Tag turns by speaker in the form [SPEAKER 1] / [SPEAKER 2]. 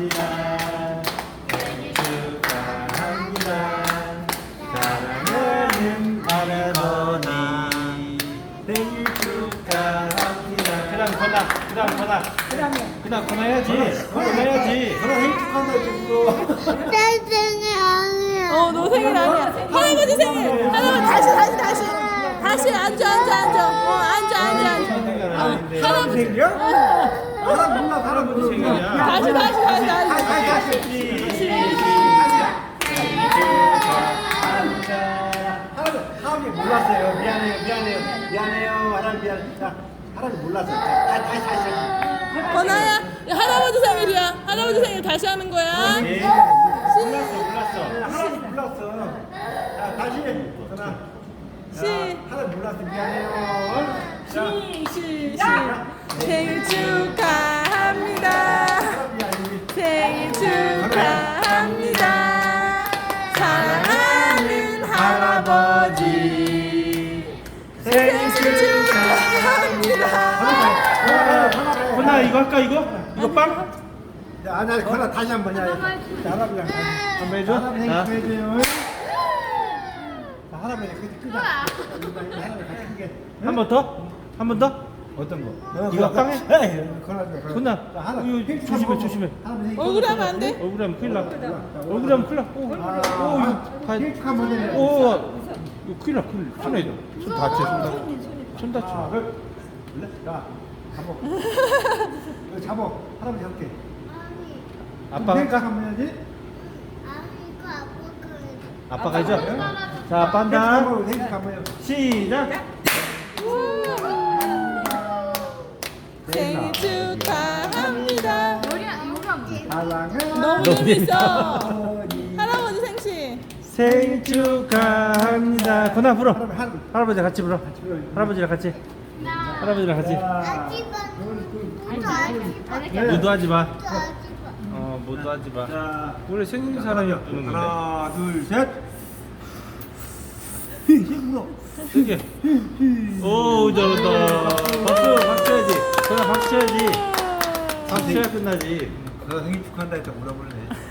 [SPEAKER 1] 생일 축하합니다. 사랑하는 할아버지 생일 축하합니다. 그다음 전화 해야지.
[SPEAKER 2] 그럼 생일 축하한다 했고.
[SPEAKER 3] 내 생일 아니야.
[SPEAKER 4] 너 생일 아니야. 할아버지 생일. 할아버지 다시 앉아.
[SPEAKER 2] 할아버지 생일이야? 할아버지 생일이야?
[SPEAKER 4] 다시.
[SPEAKER 2] 할아버지 몰랐어요. 미안해요. 할아버지 미안해. 자, 할아버지 몰랐어. 다시.
[SPEAKER 4] 건아야, 할아버지 생일이야. 할아버지 생일 다시 하는 거야.
[SPEAKER 2] 몰랐어. 할아버지 몰랐어. 자, 다시. 전화. 할아버지 몰랐어. 미안해요.
[SPEAKER 4] 생일 축하합니다. 생일 축하합니다. 사랑하는 할아버지 생일 축하합니다.
[SPEAKER 1] 건아 이거 할까 이거 빵?
[SPEAKER 2] 자, 나 그거 다시 한번 해야 돼. 할아버지랑 다시.
[SPEAKER 1] 한번 해줘.
[SPEAKER 2] 할아버지 생일
[SPEAKER 1] 자.
[SPEAKER 2] 축하해줘요. 자, 할아버지 끄자.
[SPEAKER 1] 한 번 더? 한 번 더?
[SPEAKER 2] 어떤 거?
[SPEAKER 1] 이거 빵 해? 건아
[SPEAKER 2] 할아버지
[SPEAKER 1] 조심해.
[SPEAKER 4] 얼굴에 하면 안 돼?
[SPEAKER 1] 얼굴에 하면 큰일 나. 얼굴에 하면 큰일 나. 오 이거
[SPEAKER 2] 생일 축하 한번 해.
[SPEAKER 1] 오 이거 큰일 나. 손 다쳐. 손 다쳐.
[SPEAKER 2] 자, 잡어. 이거 잡어. 할아버지 할게.
[SPEAKER 1] 아빠
[SPEAKER 2] 생일 축하
[SPEAKER 1] 할까?
[SPEAKER 2] 한번 해야지.
[SPEAKER 1] 아빠가 해줘. 자 아빠 한다.
[SPEAKER 2] 생일 축하 한번 해.
[SPEAKER 1] 시작.
[SPEAKER 4] 생일 축하합니다.
[SPEAKER 2] 사랑하는
[SPEAKER 4] 너무 재밌어.
[SPEAKER 2] 할아버지.
[SPEAKER 4] 할아버지 생신.
[SPEAKER 1] 생일 축하합니다. 건아 불어.
[SPEAKER 2] 할아버지.
[SPEAKER 1] 할아버지랑 같이 불어. 할아버지랑 같이. 모두 하지 마. 모두 하지 마.
[SPEAKER 2] 자,
[SPEAKER 1] 원래 생긴 사람이 부는 건데.
[SPEAKER 2] 하나, 둘, 셋. 힘으로.
[SPEAKER 1] 세게. 오 잘한다. 박수 해야지. 건아 박수 해야지. 박수 해야 끝나지.
[SPEAKER 2] 너 생일 축하한다 했다 물어보네.